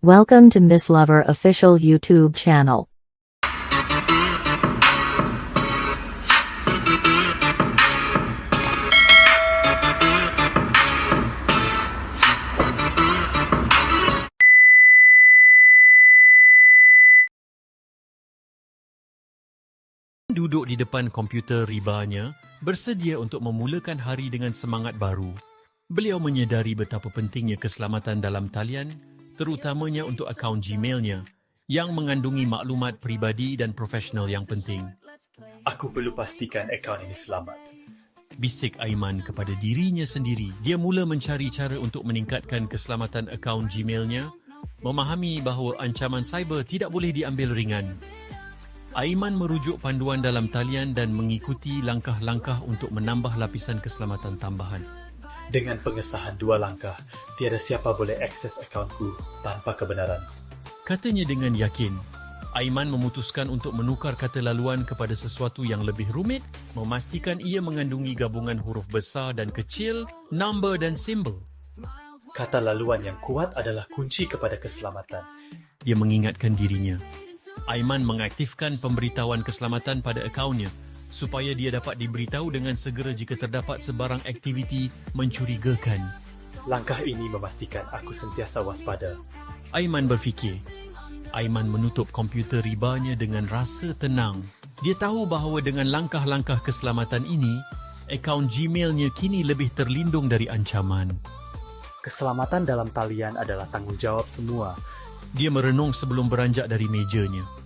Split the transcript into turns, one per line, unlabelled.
Welcome to Miss Lover official YouTube channel.
Duduk di depan komputer ribanya, bersedia untuk memulakan hari dengan semangat baru. Beliau menyedari betapa pentingnya keselamatan dalam talian, terutamanya untuk akaun Gmailnya yang mengandungi maklumat peribadi dan profesional yang penting.
Aku perlu pastikan akaun ini selamat.
Bisik Aiman kepada dirinya sendiri. Dia mula mencari cara untuk meningkatkan keselamatan akaun Gmailnya, memahami bahawa ancaman cyber tidak boleh diambil ringan. Aiman merujuk panduan dalam talian dan mengikuti langkah-langkah untuk menambah lapisan keselamatan tambahan.
Dengan pengesahan 2 langkah, tiada siapa boleh akses akaunku tanpa kebenaran.
Katanya dengan yakin, Aiman memutuskan untuk menukar kata laluan kepada sesuatu yang lebih rumit, memastikan ia mengandungi gabungan huruf besar dan kecil, nombor dan simbol.
Kata laluan yang kuat adalah kunci kepada keselamatan.
Dia mengingatkan dirinya. Aiman mengaktifkan pemberitahuan keselamatan pada akaunnya supaya dia dapat diberitahu dengan segera jika terdapat sebarang aktiviti mencurigakan.
Langkah ini memastikan aku sentiasa waspada.
Aiman berfikir. Aiman menutup komputer ribanya dengan rasa tenang. Dia tahu bahawa dengan langkah-langkah keselamatan ini, akaun Gmailnya kini lebih terlindung dari ancaman.
Keselamatan dalam talian adalah tanggungjawab semua.
Dia merenung sebelum beranjak dari mejanya.